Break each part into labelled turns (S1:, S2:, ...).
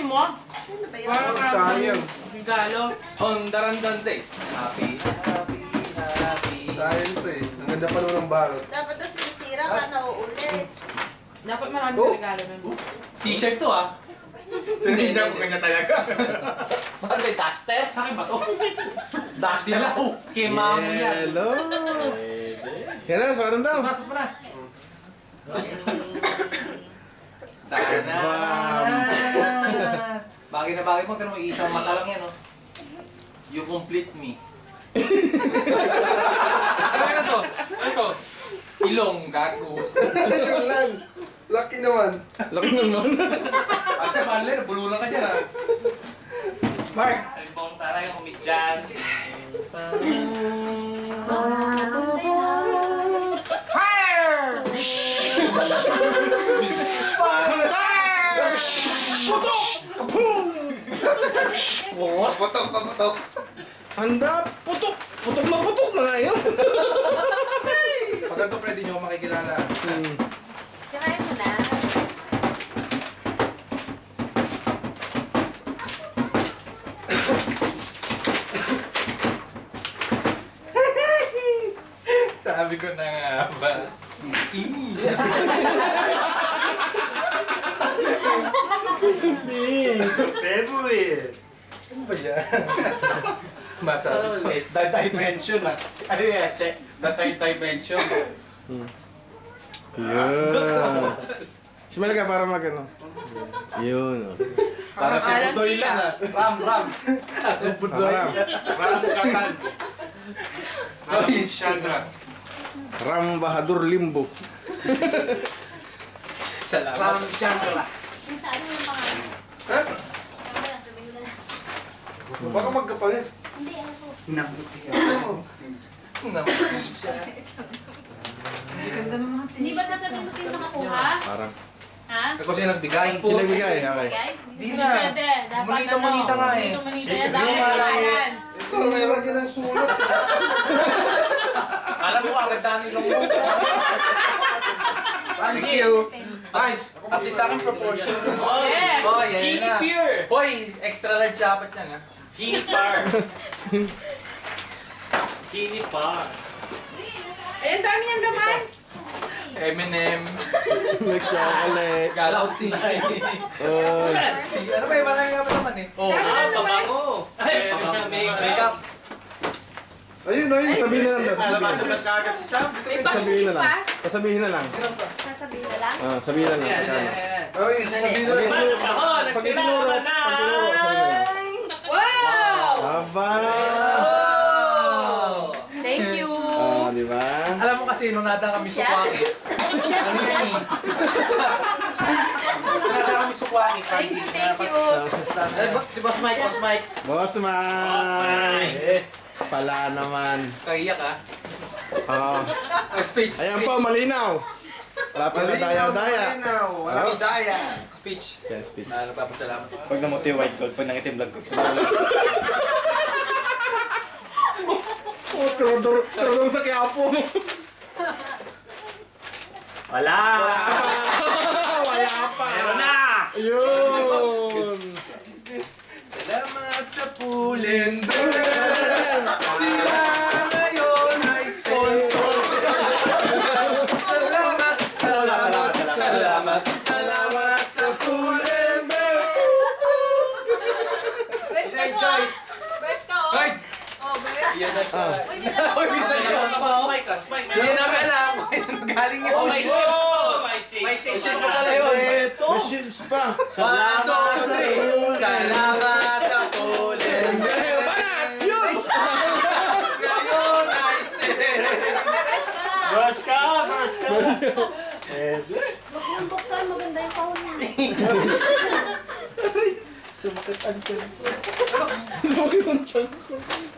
S1: mo?
S2: Ano ba yun?
S1: Parang
S3: sayang.
S1: regalo.
S4: Darandante. Happy, happy, happy.
S3: Sayang to eh. Ang ganda pa naman ng balot.
S2: Dapat daw sinisira ka sa uulit.
S1: Dapat maraming
S3: Oh.
S1: regalo nun.
S4: T-shirt to ah. Tinignan ko kanya talaga. Bakit may duster? Sa akin ba to? Duster lang. Kay mamo yan.
S3: Hello. Kaya na, sukat daw.
S4: Sumasok mo na. Tana. Bagay na bagay mo. Pero may isang mata lang yan, oh. You complete me. Ano to? Ano to? Ilong, gago.
S3: Yun lang. Lucky naman.
S4: Laki naman. Kasi Marlene, bulunan ka dyan, ah. Mark!
S5: Ay, bong taray yung umidyan.
S1: Fire!
S3: Paputok, paputok. Handa, putok. Putok na nga yun.
S4: Pag ganito, pre, di nyo ako makikilala.
S2: Sirain mo na.
S4: Sabi ko na nga ba?
S5: Favorite!
S3: Ano ba yan?
S4: Masabi ko.
S5: The dimension ah. Ano yan? Check. The third dimension.
S3: Yun. Smile ka para mag ano. Yun.
S5: Para si
S1: Parang
S5: Budoy
S1: Alan
S5: lang ah. Ram.
S3: Budoy.
S4: Ram Katan. Ram Chandra.
S3: Ram Bahadur Limbo.
S5: Salamat.
S4: Ram Chandra.
S2: Yung sa ano yung pangalan?
S3: Ha?
S2: Ano lang, sabihin mo na lang.
S3: Baka magkapalit.
S2: Hindi, ano po?
S3: Nabuti ako.
S4: Naman siya.
S2: Hindi ba sasabihin mo sino nakakuha?
S3: Parang.
S2: Ha?
S4: Ako siya nagbigay.
S3: Sino nagbigay? Okay.
S2: Bigay?
S4: Di
S1: Hindi
S4: na.
S1: pwede. Dapat
S4: Munita-munita nga eh.
S1: Munita yan. Dapat pangalan.
S3: Ito, meron ka ng sulat.
S4: Alam mo, agad dami lang mo.
S3: Thank you.
S4: Nice. At least sa akin proportion.
S1: Yes.
S4: Oh, yan
S5: Genie
S4: na.
S5: Pure!
S4: Hoy, extra large dapat yan, ha?
S5: Genie Par! Genie Par!
S1: Eh, ang dami niyang laman.
S4: M&M.
S3: Next chocolate.
S4: Galaxy.
S3: Oh.
S4: Ano ba yung marami nga pa naman eh? Oh.
S1: Dami
S5: Ah,
S1: na naman.
S5: pabango! Ay,
S4: Makeup.
S3: Ayun, ayun. Sabihin na lang.
S5: Alabasan na kagad si Sam.
S3: Sabihin na lang. Sabihin na lang.
S2: Sasabihin na lang?
S3: Sabihin na lang.
S5: Yan,
S3: Magkano?
S5: yan, yan.
S3: Ay, sabihin na lang.
S5: Paano ka ho?
S3: Pag itinuro,
S5: Nagkilala na!
S3: pag tinuro, sabihin na lang.
S1: Wow!
S3: Aba!
S4: Oh!
S1: Thank you.
S3: Di ba?
S4: Alam mo kasi, nung nada kami sukwaki. Ano yan eh? Nung nada kami sukwaki.
S1: Thank you, thank you.
S4: Si Boss Mike, Boss Mike.
S3: Boss man! Pala naman.
S4: Kaiyak ah.
S3: Oh.
S4: Speech.
S3: Ayan po, malinaw. Wala pa na daya-daya.
S4: Wala daya. Speech.
S3: Yan, speech.
S4: Nagpapasalamat.
S5: Pag namuti white gold, pag nangitim vlog ko.
S3: Oh, trodor sa kiyapo mo.
S5: Wala!
S3: Wala pa.
S5: Meron na!
S3: Yun.
S4: Salamat sa Pull&Bear. Sila ngayon ay sponsor. Salamat, salamat, salamat, salamat sa Pull&Bear. Hey, Joyce.
S2: Best ka, oh.
S4: Hoy!
S2: Oh, best.
S4: Yan na siya.
S2: Uy, hindi na
S4: Hoy, minsan yun. Hindi namin alam kung galing yun.
S5: Oh, my shades! Oh, my shades!
S4: May shades pa pala yun.
S3: May shields pa.
S4: Salamat Salamat sa Pull&Bear.
S3: Banat! Yun!
S4: Ngayon ay sin.
S2: Best ka.
S5: Brush ka! Brush ka!
S2: Huwag niyong buksan, maganda yung kahon niya.
S3: Sumakit ang tiyan ko.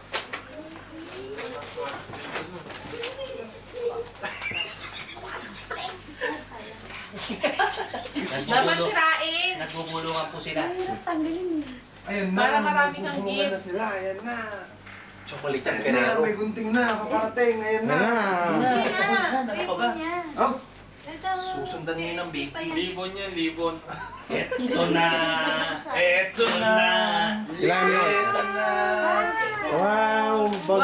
S1: Dapat sirain.
S5: Nagbubulungan po sila.
S2: Tanggalin niya.
S3: Ayun na.
S1: Para marami kang
S3: Bubungan
S1: gift.
S3: na sila. Ayan na.
S4: Chocolate yan,
S3: Ayan na.
S4: Ferrero.
S3: May gunting na. Paparating. Ayan na.
S2: Hindi na. Pwede niya.
S3: Oh,
S2: Ito
S4: Susundan niyo ng baby.
S5: Libon yan, libon.
S6: Ito na. Ito na.
S3: Ilan yun?
S4: Ito na.
S3: Wow! Bag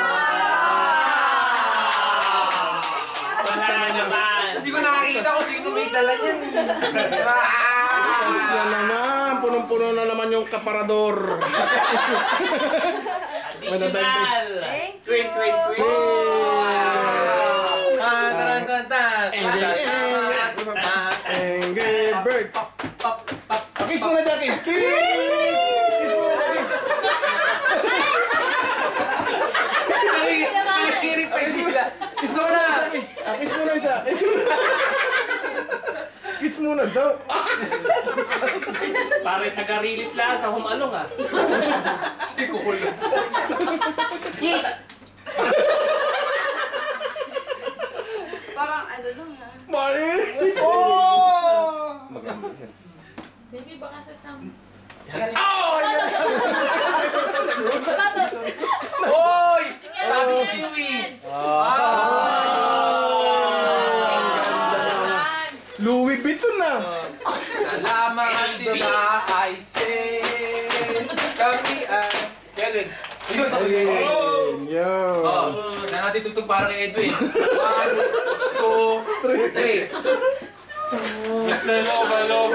S6: Wala na naman.
S4: Hindi ko nakakita kung sino may dala niyan.
S3: Tapos na naman! Punong-puno na naman yung kaparador!
S6: Additional.
S5: Twin.
S4: Tan, tan, tan.
S3: Angry Bird! Kiss mo na dyan, kiss! Kiss mo na, kiss!
S4: Nakikinig pa sila.
S3: Kiss mo na! Kiss! Kiss mo na isa! Kiss mo na! Kiss mo na daw!
S6: Parang taga-release lang sa humalong ah.
S4: Siguro.
S1: Yes!
S2: Parang ano lang ha.
S3: Mali! Oh! Maganda yan.
S1: Baby, baka sa sam.
S2: Sapatos!
S4: Hoy! Sabi ko sa'yo eh.
S3: Louis Vuitton na!
S4: Salamat sila I say. Kami ay... Kevin.
S3: Ayun! Yo!
S4: Oh, na natin tugtog para kay Edwin. 1, 2, 3.
S5: Mr. Loba.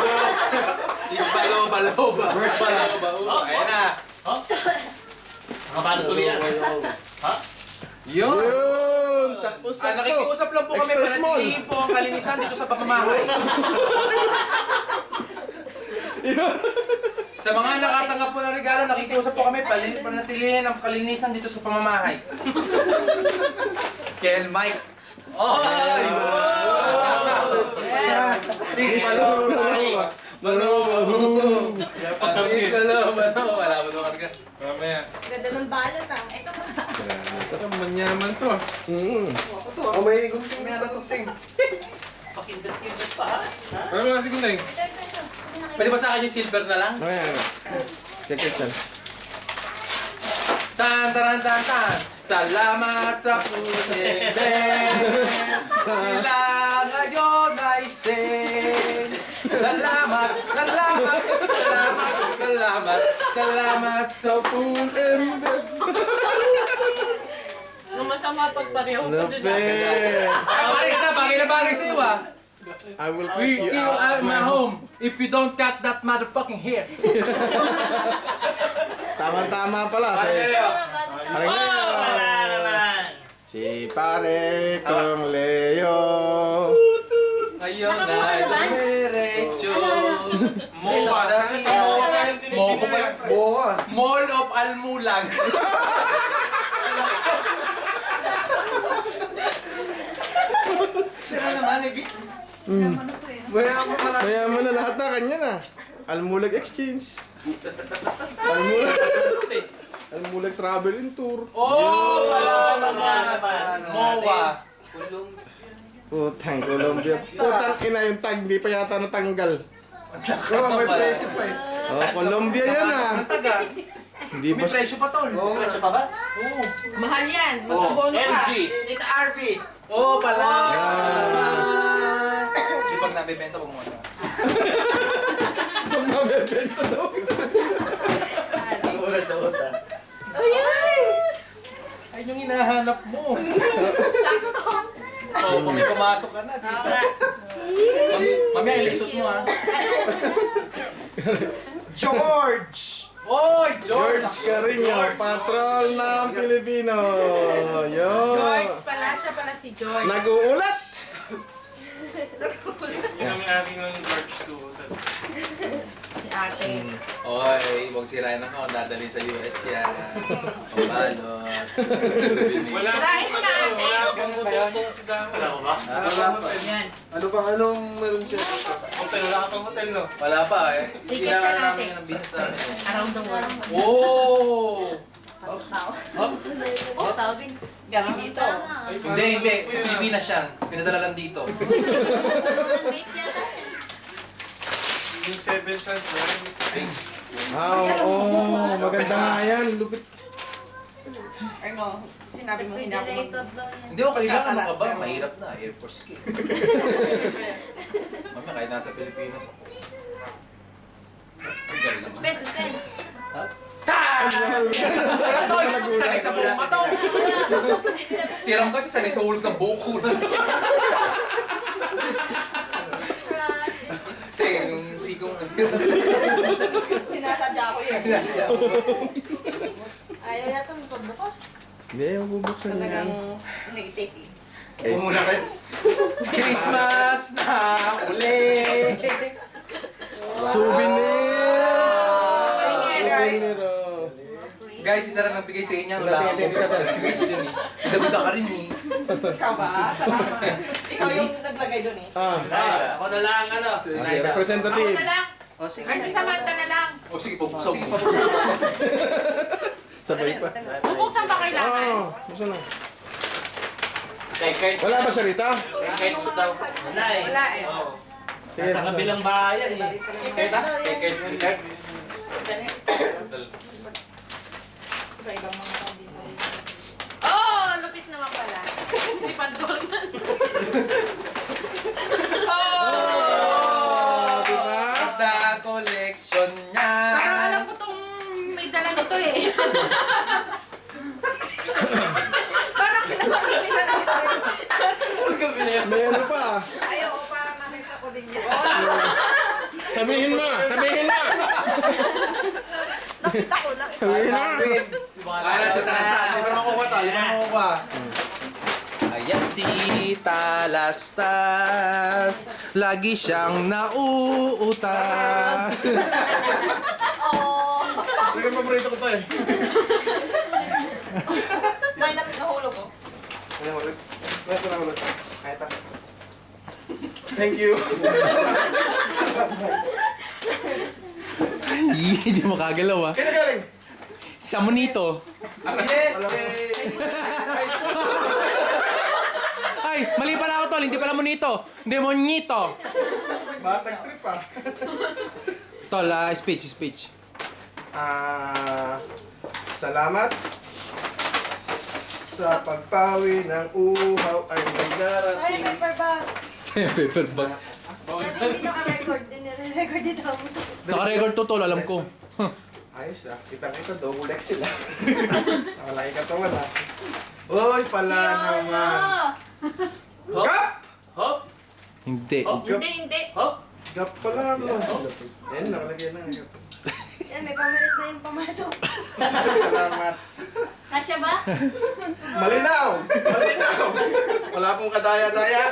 S4: Baloba. Ayan na.
S6: Nakapano tuloy yan. Ha?
S4: Yun.
S3: Yun! Sakto-sakto!
S4: Nakikiusap lang po kami
S3: Extra
S4: para
S3: small!
S4: natin po ang kalinisan dito sa pamamahay. Sa mga nakatanggap po ng regalo, nakikiusap po kami panatilihin ang kalinisan dito sa pamamahay. Kel Mike. Oy! Please, Baloba. Please, Baloba. Wala mo naman ka.
S5: Mamaya.
S2: Ganda ng balot ah. Ito pa.
S5: Manyaman to.
S4: Oh, may gunting na gunting.
S6: Pakindat-kindat pa ha?
S5: Ano ba kasi kunay?
S4: Pwede ba sa akin yung silver na lang?
S3: Ayan. Check it out.
S4: Tan, tan, tan, tan. Salamat sa puting sila ngayon ay sing. Salamat sa
S3: Full embed!
S1: Nung masama pagpareho ko
S3: Lapit!
S4: Bagay na bagay sa'yo ah.
S3: I will
S4: We
S3: pick you
S4: kill
S3: out
S4: out my home if you don't cut that motherfucking hair.
S3: Tama-tama pala. Sa'yo.
S6: Oh, wala naman.
S3: Si pare kong Leo.
S4: Ayun na, diretso.
S5: Mopa.
S4: Mopa pa yan. Mall of Almulag. Siya na naman, eh.
S3: Mayaman na lahat na kanya na. Almulag Exchange. Almulag Travel and Tour.
S4: Oh, wala naman. MOA.
S3: Putang Colombia. Putang ina yung tag. Di pa yata natanggal.
S4: May presyo pa eh.
S3: Oh, Colombia yan ah.
S4: Ang taga.
S3: Hindi
S4: May
S3: ba?
S4: presyo pa tol.
S6: Presyo pa ba?
S4: Oo.
S1: Mahal yan. Mag-abono ka.
S6: LG.
S1: Tita RV.
S4: Oo pala.
S3: Yan.
S4: Di pag nabibenta, huwag mo na.
S3: Pag mabebenta daw.
S4: Ay, yung hinahanap mo. Oo, kung may pumasok ka na. Mamaya, ilisot mo ha. George! Oy, George!
S3: George Carino, patrol ng Pilipino. Yo.
S1: George pala. Siya pala si George.
S3: Nag-uulat.
S5: Yun ang may-ari ng George 2.
S1: Si ate.
S4: Oy, huwag sirain ako. Dadalhin sa US yan. Pabalo.
S5: Wala
S1: Tirahin mo na, ate.
S5: Wala akong hotel si Damo. Wala ko ba?
S1: Yan.
S3: Anong siya?
S5: Hotel, wala akong hotel no?
S4: Wala pa eh.
S1: Ticket siya
S4: Kailangan
S1: natin.
S4: namin ng business namin.
S1: Around the world.
S4: Oh!
S1: Oh, Saudi. Dito.
S4: Hindi. Sa Pilipinas yan. Pinadala lang dito.
S5: Yung 7 Suns na yun.
S3: Oo, maganda nga yan. Lupit.
S1: Ano, sinabi mo hindi ako mag...
S2: Refrigerator daw yan.
S4: Hindi ko kailangan ano ka ba? Mahirap na. Air Force ka. Mamaya kahit nasa Pilipinas ako.
S2: Suspense, suspense.
S4: Sanay sa buong mataw. Siram kasi sanay sa ulog ng buko na. Yung sikong
S1: Sinasadya ko yun.
S2: Ayaw yata mo pagbukas.
S3: Hindi, mabubuksan niya.
S1: Talagang naitake eh.
S5: Upo muna kayo.
S4: Christmas na uli.
S3: Souvenir!
S1: Souvenir,
S3: Souvenir, oh.
S4: Guys, isa lang nagbigay sa inyo.
S3: Wala.
S4: Wala akong sa language din eh. Dabuta ka rin eh.
S1: Ikaw ba? Salamat. Ikaw yung naglagay doon eh.
S6: Nice. Ako na lang, ano.
S3: Okay, representative.
S6: O, sige.
S1: Ay, si Samantha na lang.
S4: O sige, pupusok mo.
S3: Sabay pa.
S1: Bubuksan ba kailangan?
S3: Oo, buksan na.
S6: Kay Kurt.
S3: Wala ba siya rita?
S6: Kay Kurt daw. Wala eh.
S1: Wala eh.
S3: Sige,
S6: Nasa
S3: buksan.
S6: kabilang bayan eh.
S2: Kurt daw yan.
S6: Kay Kurt.
S1: Sa ibang mga dito. Oh, lupit naman pala. Hindi pa doon.
S3: Oh, di ba?
S4: The collection niya.
S1: Parang alam ko tong may dala nito eh. Parang kilala ko may dala nito eh.
S3: May ano pa.
S1: Ayaw, parang nakita ko din yan.
S3: Sabihin mo, sabihin mo.
S2: Nakita ko lang.
S3: Sabihin mo.
S4: Para sa talas-talas. Di ba makukuha to? Di ba makukuha? Ayan si Talastas. Lagi siyang nauutas.
S2: Oh.
S3: Sige, paborito ko to eh.
S1: May nahulog ko.
S3: Ano ulit? Nasa na ulit? Kahit ako. Thank you.
S4: Hindi mo kagalaw ah.
S3: Kaya galing?
S4: Sa Monito. Ay, mali pala ako tol. Hindi pala Monito. Demonito.
S3: Basag trip ah.
S4: Tol, speech.
S3: Salamat sa pagpawi ng uhaw ay may
S2: Ay,
S3: darating.
S2: paper bag.
S4: Paper bag.
S2: Dati hindi naka-record din. Nire-record dito.
S4: Naka-record to tol, alam ko.
S3: Ayos ah, kitang-kita, double X sila. Nakalaki katawan ah. Uy, pala naman.
S6: Hop.
S3: Gap!
S6: Hop.
S4: Hindi.
S6: Hop.
S1: Hindi.
S6: Hop.
S3: Gap pala mo. Yan, nakalagyan na. Gap.
S2: Yan, may pamilit na yung pumasok.
S3: Salamat.
S2: Kasya ba?
S3: Malinaw! Malinaw! Wala pong kadaya-daya.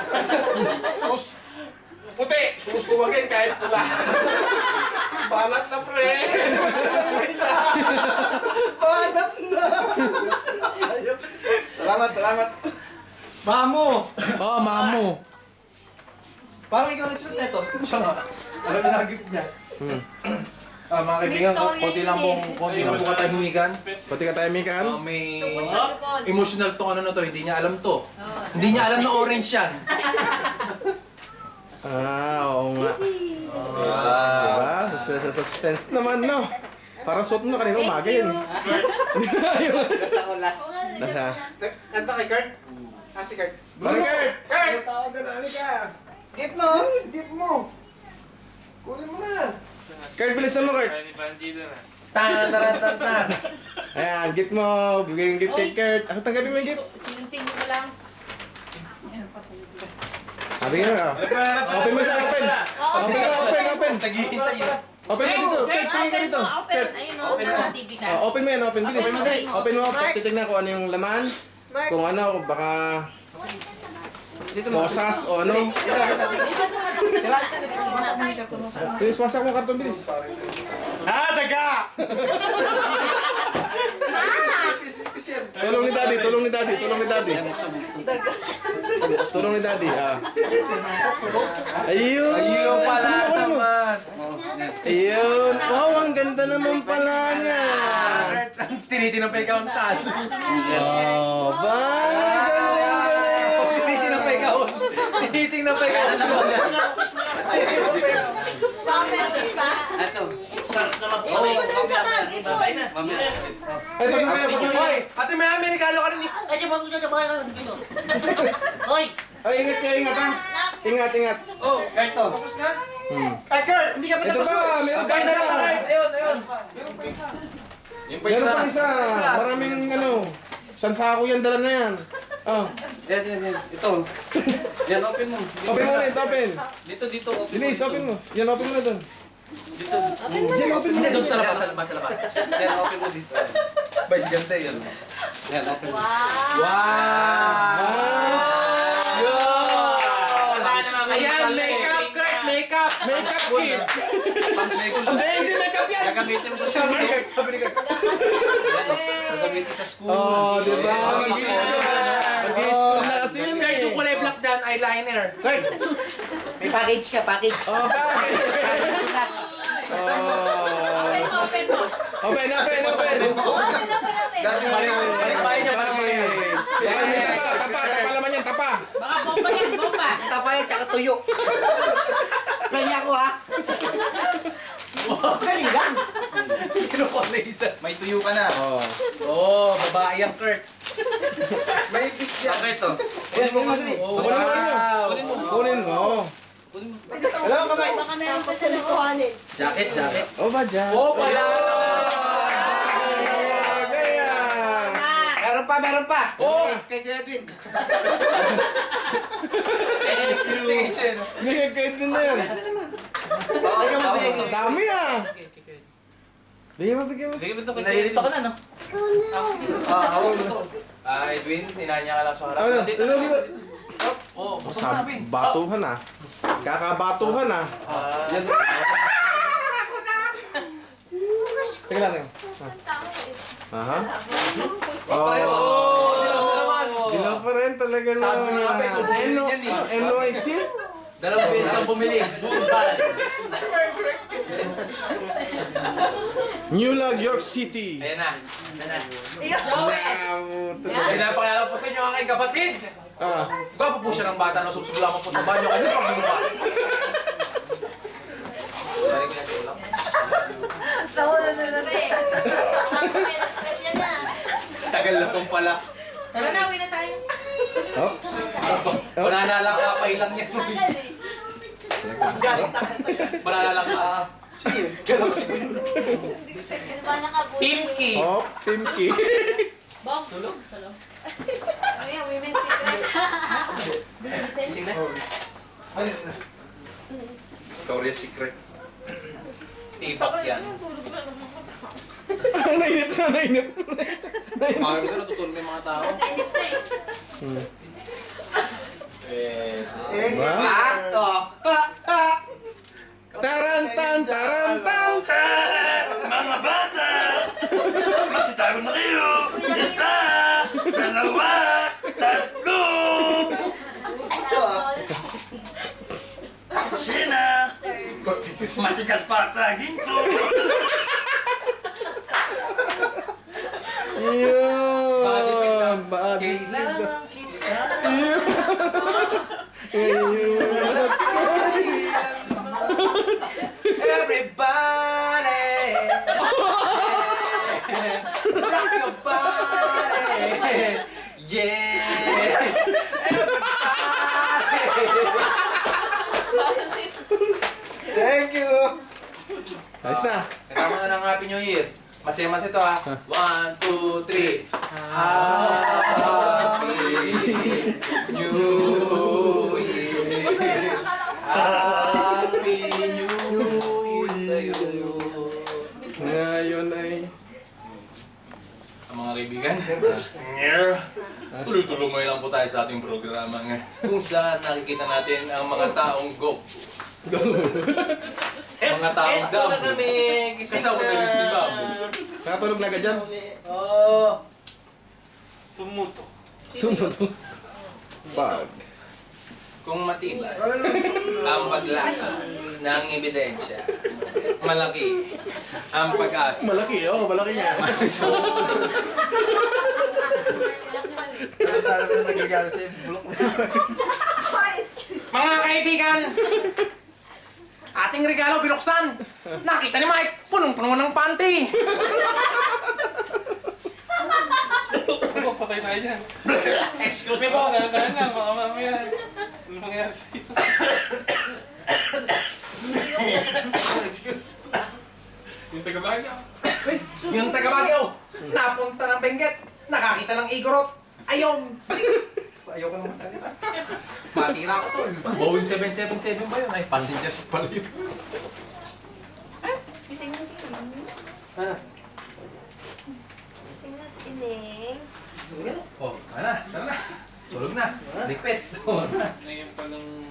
S3: Puti! Susuwagin kahit pula. Banat na, pre! Banat na! Salamat.
S5: Mamo!
S4: Oh, mamo.
S5: Parang ikaw nagsuot na ito.
S4: Siya nga.
S5: Alam mo na gift niya.
S4: Mga kaibigan, konti lang pong katahimikan.
S3: Pati ka tayo, Mikan.
S4: May
S2: Hop.
S4: emotional to ano na to, hindi niya alam to. Hindi niya alam na orange yan.
S3: Oo nga. Diba? Sa suspense naman, no? Parang suot mo na kanina umaga yun.
S5: Nasa ulas.
S3: Nasa.
S5: Kanta kay Kurt? Si Kurt.
S3: Burger!
S5: Kurt! Tawag ka na, halika. Gift mo! Gift mo! Kunin mo na.
S3: Kurt, bilisan mo, Kurt.
S4: Tan.
S3: Ayan, gift mo. Bigay yung gift kay Kurt. Ako tanggapin mo yung gift.
S1: Tinunting mo lang.
S3: Sabi nga, open mo siya, open. Open.
S4: Naghihintay yun.
S3: Open mo dito. Kurt, tingin ka dito.
S1: Open. Ayun o, nasa TV ka.
S3: Open mo yan, open. Bilis.
S1: Open mo.
S3: Open mo, titignan ko ano yung laman.
S2: Mark.
S3: Kung ano, baka posas o ano. Bilis, wasak mo karton, bilis.
S5: Daga!
S3: Tulong ni daddy. Tulong ni daddy, Ayun.
S4: Ayun pala
S3: Ano mo?
S4: naman.
S3: Ayun. Wow, ang ganda naman pala niya.
S4: Tinitinang pa ikaw ang tan.
S3: Oh, bye.
S4: Tinitinang pa ikaw. Tinitingnan pa ikaw.
S2: Pamit, di ba?
S6: Sarap naman.
S2: Iwan mo dun sa bag.
S6: Babay na.
S3: Ay, pasok. Hoy, ate may Amerikano ka rin.
S6: Hoy!
S3: Ay, ingat kayo, ingat ha. Ingat, ingat.
S6: Oh, Carto.
S3: Tapos na?
S5: Ay, Kurt! Hindi ka pa
S3: Ito
S5: tapos.
S3: pa, meron pa isa.
S4: Yung
S3: Meron pa isa. Maraming ano. Isang sako yan, dala na yan. Oh.
S4: Yan. Ito. Yan, open mo.
S3: Open mo ulit, open.
S4: Dito. Open
S3: Bilis, open mo. Yan, open mo na doon.
S4: Dito.
S3: Yan, open mo.
S4: Hindi, doon sa labas. Yan, open mo dito. Bay, si Gante yun. Yan, open mo.
S6: Ayan, makeup, Kurt, makeup.
S3: Makeup kit. Hindi makeup yan.
S6: Gagamitin mo sa
S3: Sabi ni
S6: school.
S3: Kurt, sabi ni Kurt.
S6: Gagamitin sa school.
S3: Oh, di ba? Mag-i-school na kasi yun
S6: Kurt,
S3: eh.
S6: yung kulay black dyan, eyeliner.
S5: Kurt! May package ka, package.
S3: Oh, bakit?
S1: Open mo, open mo.
S3: Open.
S6: Balikbayin niya, balikbayin.
S3: Tapa laman yan, tapa.
S1: Baka bomba yan, bomba.
S5: Tapay, tsaka tuyo. Kanya ko ha. Dali lang.
S4: May tuyo ka na.
S3: Oh.
S6: Babae yan, Kurt.
S4: May fish yan.
S6: Okay, to.
S5: Kunin mo, madali.
S3: Kunin mo.
S5: Alam mo kamay.
S2: Baka meron pa sa nakuhanin.
S6: Jacket.
S3: Oh, ba dyan?
S6: Oh, wala.
S3: Kaya.
S5: Meron pa.
S6: Oh!
S5: Kay Edwin.
S3: Hindi, kahit din na yan.
S5: Bigyan mo, bigyan mo.
S3: Dami ah. Bigyan mo.
S4: Bigyan mo ito kay
S6: Nalilito ka na, no?
S4: hawak mo ito.
S6: Edwin, tinanya ka lang sa harap.
S3: Ano? Dito.
S6: Oh, basta mo
S3: Batuhan ah. Kakabatuhan ah.
S4: Yan.
S3: Teka lang. Aha.
S6: Oh, dilaw na naman.
S3: Dilaw pa rin talaga na.
S6: Sabi niya kasi kung bumili yan eh.
S3: NYC?
S6: Dalawang beses kang bumili.
S3: New York City.
S6: Ayan na.
S1: Joel.
S6: Pinapakilala po sa inyo ang aking kapatid.
S3: Ah.
S6: Gwapo po siya ng bata na subsubla mo po sa banyo. Ano pag binuha? Sari ko yan, ito lang. Tagal na pong pala.
S1: Tara na, uwi na tayo.
S3: Oops.
S6: Banana lang kapay lang yan.
S1: Galing sa akin sa'yo.
S6: Banana lang ka. Pimki.
S3: Oh, Pimki.
S1: Bong, tulog.
S2: Women's secret.
S1: Bilising.
S3: Victoria's Secret.
S6: Tipak yan.
S3: Nainip.
S6: Mga dito natutulog yung mga tao.
S3: Tarantan.
S7: Mga bata! Masitago na kayo! Isa! Dalawa! Tatlo! Sina! Matigas pa sa ginto!
S3: Yun.
S6: Bakit kita?
S3: Bakit
S6: Kailangan kita. Everybody! Rock your body! Yeah!
S5: Thank you.
S3: Ayos na.
S6: Kasama na ng Happy New Year. Masaya-mas ito ha. 1, 2, 3. Happy New Year. Happy New Year sa'yo.
S3: Ngayon ay...
S6: Ang mga kaibigan, tuloy-tuloy lang po tayo sa ating programa kung saan nakikita natin ang mga taong go. Mga taong damo. Kasama na rin si Babu.
S3: Nakatulog na agad dyan?
S6: Oh,
S3: Tumuto. Bag.
S6: kung matibay ang paglakad ng ebidensya, malaki ang pag-asa.
S3: Malaki, oh. Malaki niya.
S5: Parang na nagigala sa bulok.
S6: Mga kaibigan, ating
S4: ating regalo binuksan. Nakita ni Mike, punong-puno ng panty.
S6: Patay tayo dyan.
S4: Excuse me po.
S6: Tahan lang, baka mamaya. Ano nangyari sa'yo? Yung taga-Baguio.
S4: Yung taga Baguio, napunta ng Benguet, nakakita ng Igorot. Ayun.
S3: Ayaw ko naman salita.
S4: Matira ko to. Boeing 777 ba yun? Ay, passengers pala yun.
S1: Gising na sila.
S6: Ano?
S2: Sing na si Ineng.
S4: Oh, tara na. Tulog na. Ligpit. Oh, na.
S6: Ngayon palang